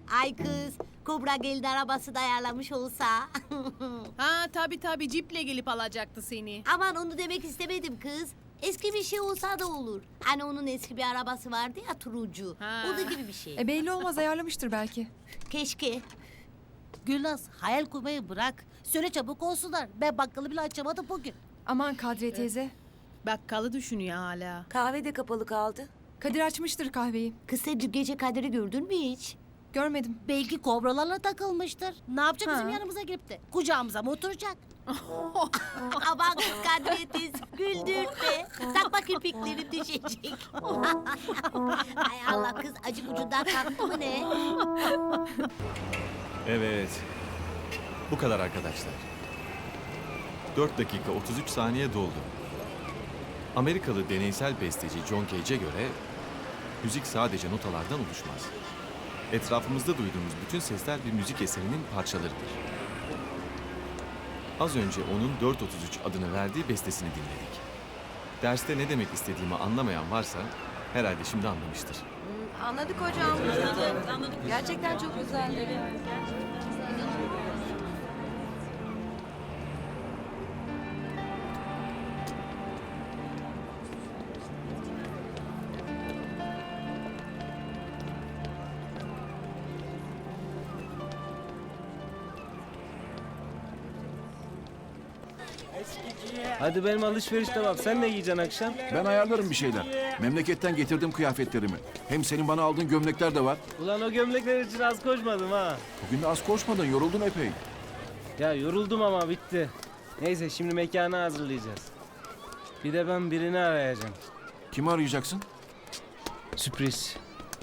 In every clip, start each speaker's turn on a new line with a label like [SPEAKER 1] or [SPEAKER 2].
[SPEAKER 1] Ay kız, Kobra geldi arabası da ayarlamış olsa.
[SPEAKER 2] Ha tabii ciple gelip alacaktı seni.
[SPEAKER 1] Aman onu demek istemedim kız. Eski bir şey olsa da olur. Hani onun eski bir arabası vardı ya turuncu.
[SPEAKER 2] Ha.
[SPEAKER 1] O da gibi bir şey.
[SPEAKER 3] Belli olmaz, ayarlamıştır belki.
[SPEAKER 1] Keşke.
[SPEAKER 4] Gülnaz hayal kurmayı bırak. Söyle çabuk olsunlar. Ben bakkalı bile açamadım bugün.
[SPEAKER 3] Aman Kadriye teyze.
[SPEAKER 2] Bakkalı düşünüyor hala.
[SPEAKER 5] Kahve de kapalı kaldı.
[SPEAKER 3] Kadir açmıştır kahveyi.
[SPEAKER 1] Kız sen dün gece Kadir'i gördün mü hiç?
[SPEAKER 3] Görmedim.
[SPEAKER 4] Belki kobralarla takılmıştır. Ne yapacak bizim
[SPEAKER 3] Ha.
[SPEAKER 4] yanımıza gelip de? Kucağımıza mı oturacak?
[SPEAKER 1] Aman kız Kadriye teyze güldürme. Takma kirpiklerim düşecek. Ay Allah kız acık ucundan kalktı mı ne?
[SPEAKER 6] Evet. Bu kadar arkadaşlar. 4 dakika 33 saniye doldu. Amerikalı deneysel besteci John Cage'e göre müzik sadece notalardan oluşmaz. Etrafımızda duyduğumuz bütün sesler bir müzik eserinin parçalarıdır. Az önce onun 433 adını verdiği bestesini dinledik. Derste ne demek istediğimi anlamayan varsa herhalde şimdi anlamıştır.
[SPEAKER 5] Anladık hocam. Gerçekten çok güzeldi.
[SPEAKER 7] Hadi benim alışveriş tamam. Sen ne giyeceksin akşam?
[SPEAKER 8] Ben ayarlarım bir şeyler. Memleketten getirdim kıyafetlerimi. Hem senin bana aldığın gömlekler de var.
[SPEAKER 7] Ulan o gömlekler için az koşmadım ha.
[SPEAKER 8] Bugün de az koşmadın, yoruldun epey.
[SPEAKER 7] Ya yoruldum ama bitti. Neyse şimdi mekanı hazırlayacağız. Bir de ben birini arayacağım.
[SPEAKER 8] Kimi arayacaksın?
[SPEAKER 7] Sürpriz.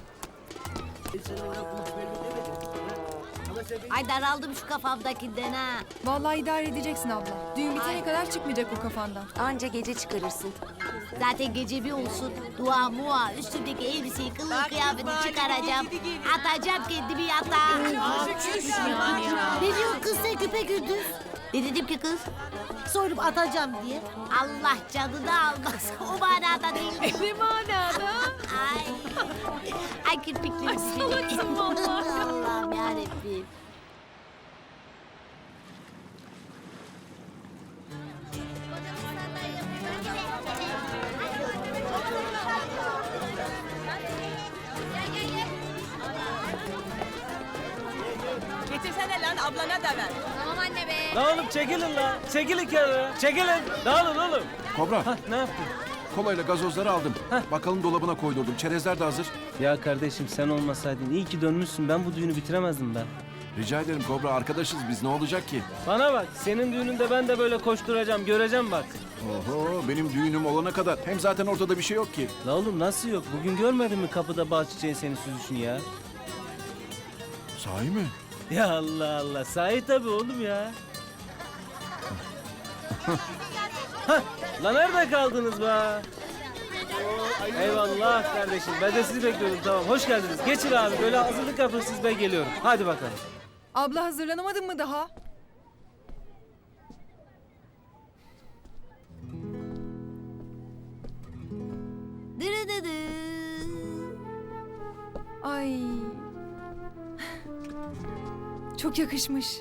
[SPEAKER 1] Ay daraldım şu kafamdakinden ha.
[SPEAKER 3] Vallahi idare edeceksin abla. Düğün bitene kadar çıkmayacak o kafandan.
[SPEAKER 5] Anca gece çıkarırsın.
[SPEAKER 1] Zaten gece bir olsun. Dua mua üstümdeki elbiseyi kılığı kıyafeti çıkaracağım. Atacağım kendimi yatağa. Ne diyor kız sen küpe gündüz? Ne dedim ki kız?
[SPEAKER 4] Soyunup atacağım diye.
[SPEAKER 1] Allah canını almaz. O manada değil.
[SPEAKER 2] Ne manada?
[SPEAKER 1] Ay. Ay kirpiklerim düşecek. Allah'ım yarabbim.
[SPEAKER 2] Getirsene lan ablana da ver.
[SPEAKER 7] La oğlum çekilin la. Çekilin kenara. Çekilin. Dağılın oğlum.
[SPEAKER 8] Kobra,
[SPEAKER 7] Hah ne yaptın?
[SPEAKER 8] kolayla gazozları aldım. Bakalım dolabına koydurdum. Çerezler de hazır.
[SPEAKER 7] Ya kardeşim sen olmasaydın iyi ki dönmüşsün. Ben bu düğünü bitiremezdim ben.
[SPEAKER 8] Rica ederim Kobra, arkadaşız biz. Ne olacak ki?
[SPEAKER 7] Bana bak senin düğününde ben de böyle koşturacağım. Göreceğim bak.
[SPEAKER 8] Oho, benim düğünüm olana kadar. Hem zaten ortada bir şey yok ki.
[SPEAKER 7] La oğlum nasıl yok? Bugün görmedin mi kapıda bal çiçeğin seni süzüşünü ya?
[SPEAKER 8] Sahi mi?
[SPEAKER 7] Ya Allah Allah. Sahi tabii oğlum ya. Hah, lan nerede kaldınız be? Eyvallah kardeşim. Ben de sizi bekliyordum tamam. Hoş geldiniz. Geçin abi. Böyle hazırlık yapın siz ben geliyorum. Hadi bakalım.
[SPEAKER 3] Abla hazırlanamadın mı daha?
[SPEAKER 1] Dırıdıdı.
[SPEAKER 3] Ay. Çok yakışmış.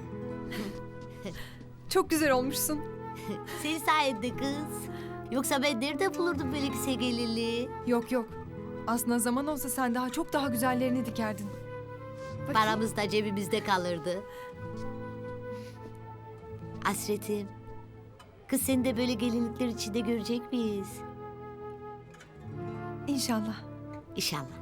[SPEAKER 3] Çok güzel olmuşsun.
[SPEAKER 1] Senin sayende kız. Yoksa ben nerede bulurdum böyle kısa gelirliği?
[SPEAKER 3] Yok yok. Aslında zaman olsa sen daha çok daha güzellerini dikerdin. Bakayım.
[SPEAKER 1] Paramız da cebimizde kalırdı. Hasretim. Kız seni de böyle gelinlikler içinde görecek miyiz?
[SPEAKER 3] İnşallah.
[SPEAKER 1] İnşallah.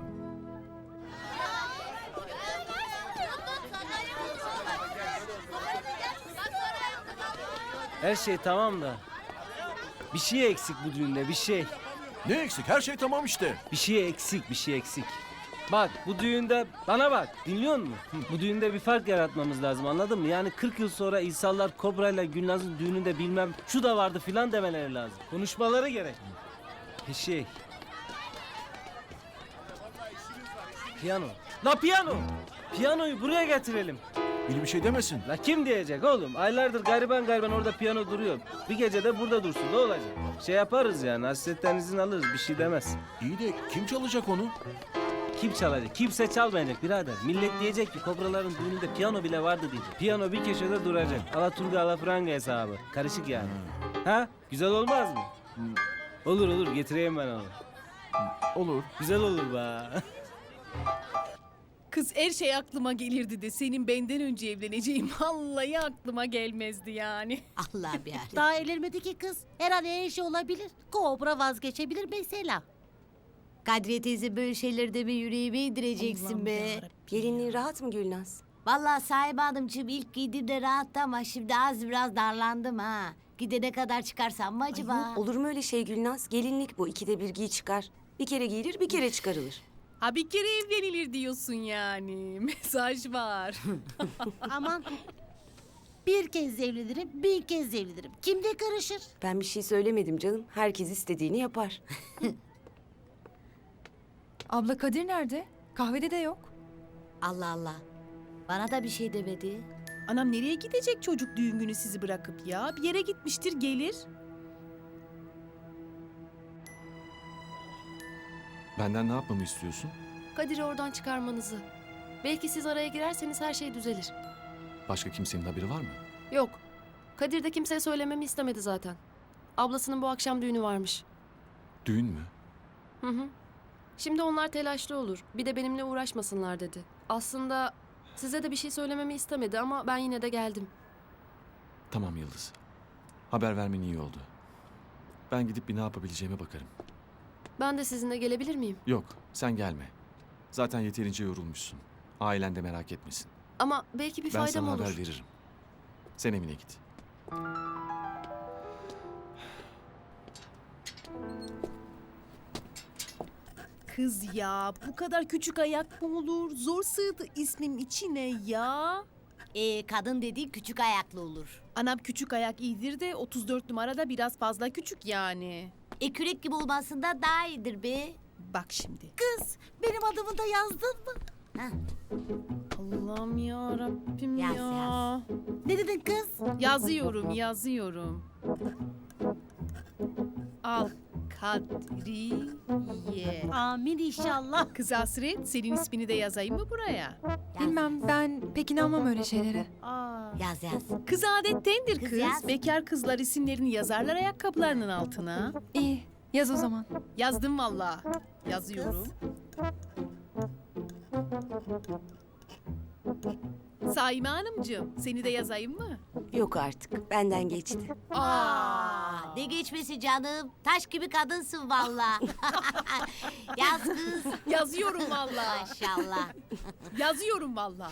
[SPEAKER 7] Her şey tamam da. Bir şey eksik bu düğünde bir şey.
[SPEAKER 8] Ne eksik? Her şey tamam işte.
[SPEAKER 7] Bir şey eksik bir şey eksik. Bak bu düğünde bana bak dinliyor musun? Bu düğünde bir fark yaratmamız lazım anladın mı? Yani 40 yıl sonra İhsanlar Kobra ile Gülnaz'ın düğününde bilmem şu da vardı filan demeleri lazım. Konuşmaları gerek. Bir şey. Piyano. La piyano. Piyanoyu buraya getirelim.
[SPEAKER 8] Biri bir şey demesin.
[SPEAKER 7] La kim diyecek oğlum? Aylardır gariban orada piyano duruyor. Bir gece de burada dursun ne olacak? Şey yaparız yani hasretten izin alırız bir şey demez.
[SPEAKER 8] İyi de kim çalacak onu?
[SPEAKER 7] Kim çalacak? Kimse çalmayacak birader. Millet diyecek ki kobraların düğününde piyano bile vardı diyecek. Piyano bir köşede duracak. Alaturga alafranga hesabı. Karışık yani. Ha? Güzel olmaz mı? Olur olur getireyim ben onu.
[SPEAKER 8] Olur.
[SPEAKER 7] Güzel olur be.
[SPEAKER 2] Kız her şey aklıma gelirdi de senin benden önce evleneceğim vallahi aklıma gelmezdi yani.
[SPEAKER 1] Allah bir ara.
[SPEAKER 4] Daha evlenmedi ki kız. Her an her şey olabilir. Kobra vazgeçebilir mesela.
[SPEAKER 1] Kadriye teyze böyle şeyleri deme yüreğime indireceksin
[SPEAKER 2] Allah'ım
[SPEAKER 1] be.
[SPEAKER 2] yarabbim.
[SPEAKER 5] Gelinliğin rahat mı Gülnaz?
[SPEAKER 1] Vallahi Sahibe Hanımcığım ilk giydiğimde rahattı ama şimdi az biraz darlandım ha. Gidene kadar çıkarsam mı acaba?
[SPEAKER 5] Olur mu öyle şey Gülnaz? Gelinlik bu. 2'de 1 giy çıkar. Bir kere giyilir bir kere çıkarılır.
[SPEAKER 2] Ha bir kere evlenilir diyorsun yani. Mesaj var.
[SPEAKER 4] Aman. Bir kez evlenirim, bin kez evlenirim. Kim de karışır?
[SPEAKER 5] Ben bir şey söylemedim canım. Herkes istediğini yapar.
[SPEAKER 3] Abla Kadir nerede? Kahvede de yok.
[SPEAKER 1] Allah Allah. Bana da bir şey demedi.
[SPEAKER 2] Anam nereye gidecek çocuk düğün günü sizi bırakıp ya? Bir yere gitmiştir gelir.
[SPEAKER 6] Benden ne yapmamı istiyorsun?
[SPEAKER 9] Kadir'i oradan çıkarmanızı. Belki siz araya girerseniz her şey düzelir.
[SPEAKER 6] Başka kimsenin haberi var mı?
[SPEAKER 9] Yok. Kadir de kimseye söylememi istemedi zaten. Ablasının bu akşam düğünü varmış.
[SPEAKER 6] Düğün mü?
[SPEAKER 9] Hı hı. Şimdi onlar telaşlı olur. Bir de benimle uğraşmasınlar dedi. Aslında size de bir şey söylememi istemedi ama ben yine de geldim.
[SPEAKER 6] Tamam Yıldız. Haber vermen iyi oldu. Ben gidip bir ne yapabileceğime bakarım.
[SPEAKER 9] Ben de sizinle gelebilir miyim?
[SPEAKER 6] Yok, sen gelme. Zaten yeterince yorulmuşsun. Ailen de merak etmesin.
[SPEAKER 9] Ama belki bir
[SPEAKER 6] Ben
[SPEAKER 9] faydam
[SPEAKER 6] sana
[SPEAKER 9] olur.
[SPEAKER 6] haber veririm. Sen evine git.
[SPEAKER 2] Kız ya bu kadar küçük ayak mı olur? Zor sığdı ismim içine ya.
[SPEAKER 1] Kadın dediğin küçük ayaklı olur.
[SPEAKER 2] Anam küçük ayak iyidir de 34 numarada biraz fazla küçük yani.
[SPEAKER 1] Kürek gibi olmasından daha iyidir be.
[SPEAKER 2] Bak şimdi.
[SPEAKER 4] Kız, benim adımı da yazdın mı?
[SPEAKER 2] Allah'ım ya Rabbim
[SPEAKER 1] Yaz,
[SPEAKER 2] ya.
[SPEAKER 1] yaz.
[SPEAKER 4] Ne dedin kız?
[SPEAKER 2] Yazıyorum. Al Kadriye.
[SPEAKER 4] Amin inşallah.
[SPEAKER 2] Kız Hasret senin ismini de yazayım mı buraya?
[SPEAKER 3] Bilmem, ben pek inanmam öyle şeylere.
[SPEAKER 4] Aa.
[SPEAKER 1] Yaz yaz.
[SPEAKER 2] Kız adettendir
[SPEAKER 1] Kız
[SPEAKER 2] kız.
[SPEAKER 1] yaz.
[SPEAKER 2] Bekar kızlar isimlerini yazarlar ayakkabılarının altına.
[SPEAKER 3] İyi, yaz o zaman.
[SPEAKER 2] Yazdım valla. Yazıyorum. Saime Hanımcığım seni de yazayım mı?
[SPEAKER 5] Yok artık. Benden geçti.
[SPEAKER 1] Ne geçmesi canım. Taş gibi kadınsın valla. Yaz kız.
[SPEAKER 2] Yazıyorum valla.
[SPEAKER 1] Maşallah.
[SPEAKER 2] Yazıyorum valla.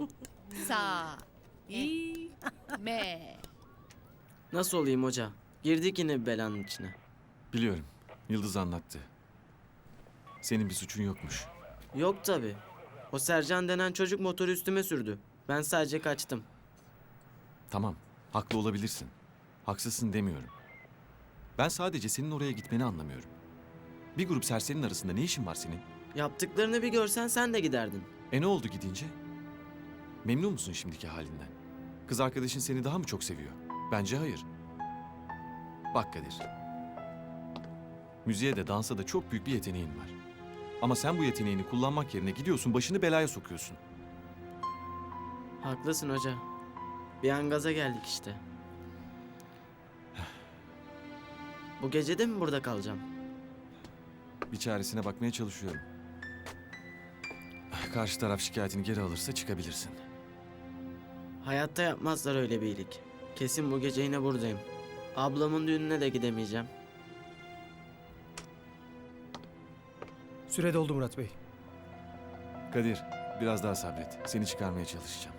[SPEAKER 2] Sa-i-me.
[SPEAKER 10] Nasıl olayım hoca? Girdik yine bir belanın içine.
[SPEAKER 6] Biliyorum. Yıldız anlattı. Senin bir suçun yokmuş.
[SPEAKER 10] Yok tabi. O Sercan denen çocuk motoru üstüme sürdü. Ben sadece kaçtım.
[SPEAKER 6] Tamam. Haklı olabilirsin. Haksızsın demiyorum. Ben sadece senin oraya gitmeni anlamıyorum. Bir grup serserinin arasında ne işin var senin?
[SPEAKER 10] Yaptıklarını bir görsen sen de giderdin.
[SPEAKER 6] Ne oldu gidince? Memnun musun şimdiki halinden? Kız arkadaşın seni daha mı çok seviyor? Bence hayır. Bak Kadir. Müziğe de dansa da çok büyük bir yeteneğin var. Ama sen bu yeteneğini kullanmak yerine gidiyorsun başını belaya sokuyorsun.
[SPEAKER 10] Haklısın hoca. Bir an gaza geldik işte. Bu gece de mi burada kalacağım?
[SPEAKER 6] Bir çaresine bakmaya çalışıyorum. Karşı taraf şikayetini geri alırsa çıkabilirsin.
[SPEAKER 10] Hayatta yapmazlar öyle bir iyilik. Kesin bu gece yine buradayım. Ablamın düğününe de gidemeyeceğim.
[SPEAKER 11] Süre doldu Murat Bey.
[SPEAKER 6] Kadir, biraz daha sabret. Seni çıkarmaya çalışacağım.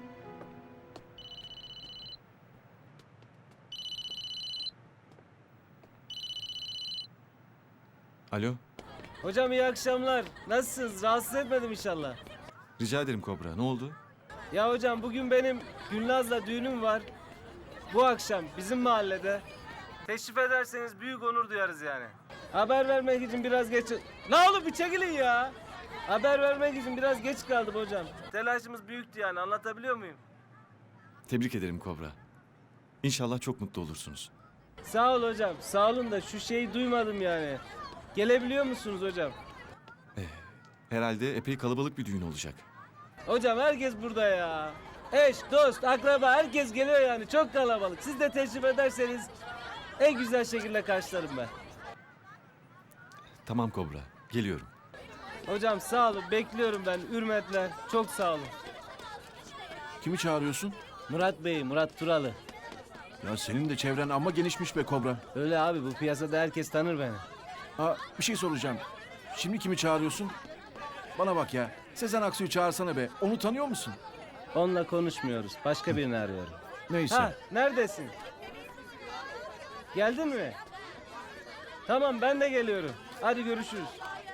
[SPEAKER 6] Alo,
[SPEAKER 7] Hocam iyi akşamlar. Nasılsınız? Rahatsız etmedim inşallah.
[SPEAKER 6] rica ederim Kobra. Ne oldu?
[SPEAKER 7] Ya hocam bugün benim Gülnaz'la düğünüm var. Bu akşam bizim mahallede. Teşrif ederseniz büyük onur duyarız yani. Haber vermek için biraz geç... La oğlum bir çekilin ya. Haber vermek için biraz geç kaldım hocam. Telaşımız büyüktü yani anlatabiliyor muyum?
[SPEAKER 6] Tebrik ederim Kobra. İnşallah çok mutlu olursunuz.
[SPEAKER 7] Sağ ol hocam. Sağ olun da şu şeyi duymadım yani. Gelebiliyor musunuz hocam?
[SPEAKER 6] Herhalde epey kalabalık bir düğün olacak.
[SPEAKER 7] Hocam herkes burada ya. Eş, dost, akraba herkes geliyor yani. Çok kalabalık. Siz de teşrif ederseniz en güzel şekilde karşılarım ben.
[SPEAKER 6] Tamam Kobra, geliyorum.
[SPEAKER 7] Hocam sağ olun. Bekliyorum ben. Hürmetler. Çok sağ olun.
[SPEAKER 8] Kimi çağırıyorsun?
[SPEAKER 7] Murat Bey, Murat Turalı.
[SPEAKER 8] Ya senin de çevren amma genişmiş be Kobra.
[SPEAKER 7] Öyle abi, bu piyasada herkes tanır beni.
[SPEAKER 8] Bir şey soracağım. Şimdi kimi çağırıyorsun? Bana bak ya. Sezen Aksu'yu çağırsana be. Onu tanıyor musun?
[SPEAKER 7] Onunla konuşmuyoruz. Başka birini arıyorum.
[SPEAKER 8] Neyse.
[SPEAKER 7] Ha, neredesin? Geldin mi? Tamam, ben de geliyorum. Hadi görüşürüz.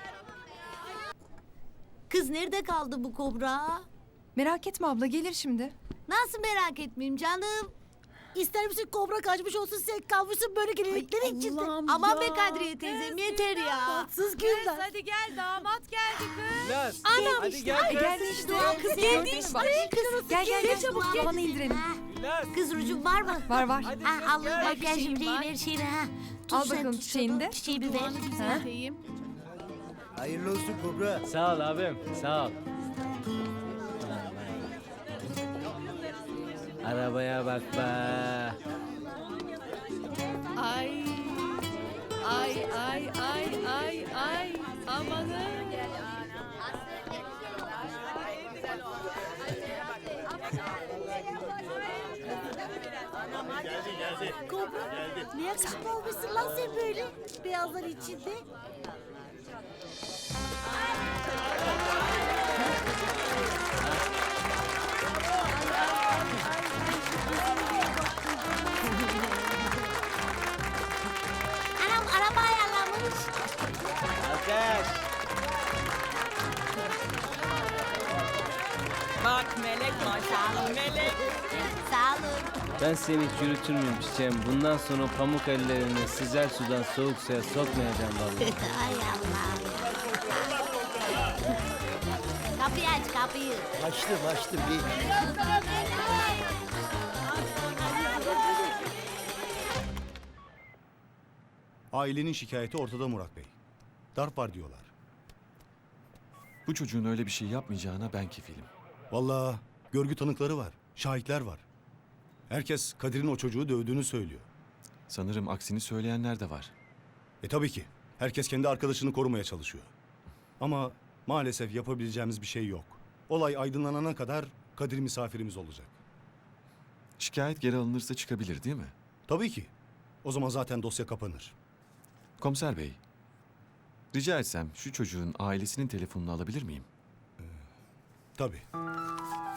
[SPEAKER 1] Kız nerede kaldı bu kobra?
[SPEAKER 3] Merak etme abla, gelir şimdi.
[SPEAKER 1] Nasıl merak etmeyeyim canım?
[SPEAKER 4] İster misin kobra kaçmış olsun sen kalmışsın böyle gelinliklerin içinde.
[SPEAKER 2] Allah'ım
[SPEAKER 1] Aman be
[SPEAKER 2] ya.
[SPEAKER 1] Kadriye teyzem yeter ya.
[SPEAKER 4] Tatsız Gülnaz.
[SPEAKER 2] Hadi gel, damat geldi kız.
[SPEAKER 7] Laz,
[SPEAKER 1] Anam
[SPEAKER 7] hadi
[SPEAKER 1] işte,
[SPEAKER 7] gel kız.
[SPEAKER 3] Geldi işte.
[SPEAKER 1] Kız
[SPEAKER 3] Geldi
[SPEAKER 1] geldi
[SPEAKER 3] işte.
[SPEAKER 1] işte.
[SPEAKER 3] Bak.
[SPEAKER 1] Kız
[SPEAKER 3] Gel gel gel.
[SPEAKER 1] çabuk gel.
[SPEAKER 3] Tavanı indirelim.
[SPEAKER 1] Ha,
[SPEAKER 7] Laz.
[SPEAKER 1] kız rucun var mı?
[SPEAKER 3] Var var.
[SPEAKER 7] Hadi
[SPEAKER 1] Ha,
[SPEAKER 7] kız,
[SPEAKER 1] al
[SPEAKER 7] gel.
[SPEAKER 1] makyajım
[SPEAKER 2] var.
[SPEAKER 1] ver şeyini ha.
[SPEAKER 3] Al
[SPEAKER 1] sen,
[SPEAKER 3] bakalım
[SPEAKER 1] tut
[SPEAKER 3] çiçeğini
[SPEAKER 1] şunu,
[SPEAKER 3] de.
[SPEAKER 1] Çiçeğimi ver.
[SPEAKER 2] Duanı
[SPEAKER 1] Ha?
[SPEAKER 2] düzelteyim.
[SPEAKER 11] Hayırlı olsun Kobra.
[SPEAKER 7] Sağ ol abim, sağ ol. Arabaya bak be.
[SPEAKER 2] Ay. Ay ay ay ay ay. Amanın.
[SPEAKER 4] Kobra ne yakışıklı olmuşsun lan sen böyle beyazlar içinde.
[SPEAKER 1] Anam araba ayarlamış.
[SPEAKER 7] Alkış.
[SPEAKER 2] Bak melek maşallah melek.
[SPEAKER 1] Sağ olun.
[SPEAKER 7] Ben seni hiç yürütür müyüm çiçeğim? Bundan sonra pamuk ellerini sıcak sudan soğuk suya sokmayacağım vallahi.
[SPEAKER 1] Ay Allah. Kapıyı aç kapıyı.
[SPEAKER 11] Açtım bir.
[SPEAKER 12] Ailenin şikayeti ortada Murat Bey. Darp var diyorlar.
[SPEAKER 6] Bu çocuğun öyle bir şey yapmayacağına ben kefilim.
[SPEAKER 12] Vallahi görgü tanıkları var, şahitler var. Herkes Kadir'in o çocuğu dövdüğünü söylüyor.
[SPEAKER 6] Sanırım aksini söyleyenler de var.
[SPEAKER 12] Tabii ki. Herkes kendi arkadaşını korumaya çalışıyor. Ama maalesef yapabileceğimiz bir şey yok. Olay aydınlanana kadar Kadir misafirimiz olacak.
[SPEAKER 6] Şikayet geri alınırsa çıkabilir değil mi?
[SPEAKER 12] Tabii ki. O zaman zaten dosya kapanır.
[SPEAKER 6] Komiser bey, rica etsem şu çocuğun ailesinin telefonunu alabilir miyim?
[SPEAKER 12] Tabii.